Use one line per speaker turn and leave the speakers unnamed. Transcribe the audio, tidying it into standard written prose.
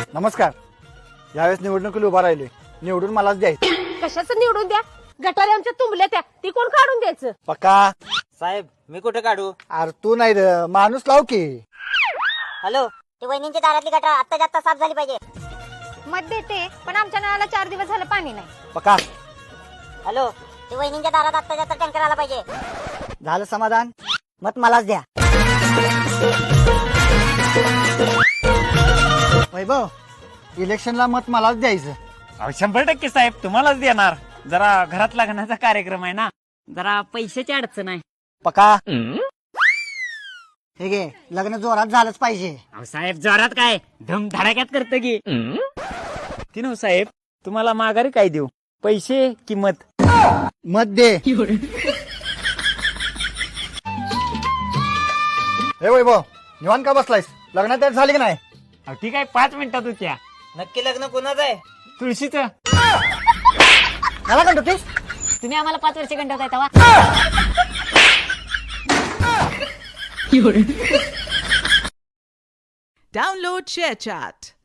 नमस्कार. यावेळेस निवडणुकीला उभा राहिलोय. निवडून मलाच द्यायचं.
कशाचं निवडून द्या? गटारी आमच्या तुंबल्या त्या, ती कोण काढून द्यायचं?
पक्का.
साहेब मी कुठे काढू?
अरे तू नाही रे, माणूस लाव की.
हॅलो,
ती वहिनींची दारातली गटार आत्ता जास्त साफ झाली पाहिजे.
मत देते, पण आमच्या नळाला 4 दिवस झालं पाणी नाही.
पक्का.
हॅलो, ती वहिनींच्या दारात आत्ता जास्त टँकर आला पाहिजे.
झालं समाधान. मत मलाच द्या. वैभव, इलेक्शनला मत मलाच द्यायचं.
100% साहेब तुम्हालाच देणार. जरा घरात लग्नाचा कार्यक्रम आहे ना, जरा पैशाची अडचण आहे.
पक्का. हे घे, लग्न जोरात झालंच पाहिजे.
अहो साहेब जोरात काय धम धडाक्यात करत की ती नव साहेब. तुम्हाला माघारी काय देऊ, पैसे की मत?
मत दे. हे वैभव, निवांत का बसलायस? लग्नात तयार झाली की नाही?
अहो ठीक आहे, 5 मिनिटात होत्या. नक्की लग्न कोणाचं आहे? तुळशीचं.
मला कंटोतीस?
तुम्ही आम्हाला 5 वर्ष गंडवताय तेव्हा.
Download ShareChat.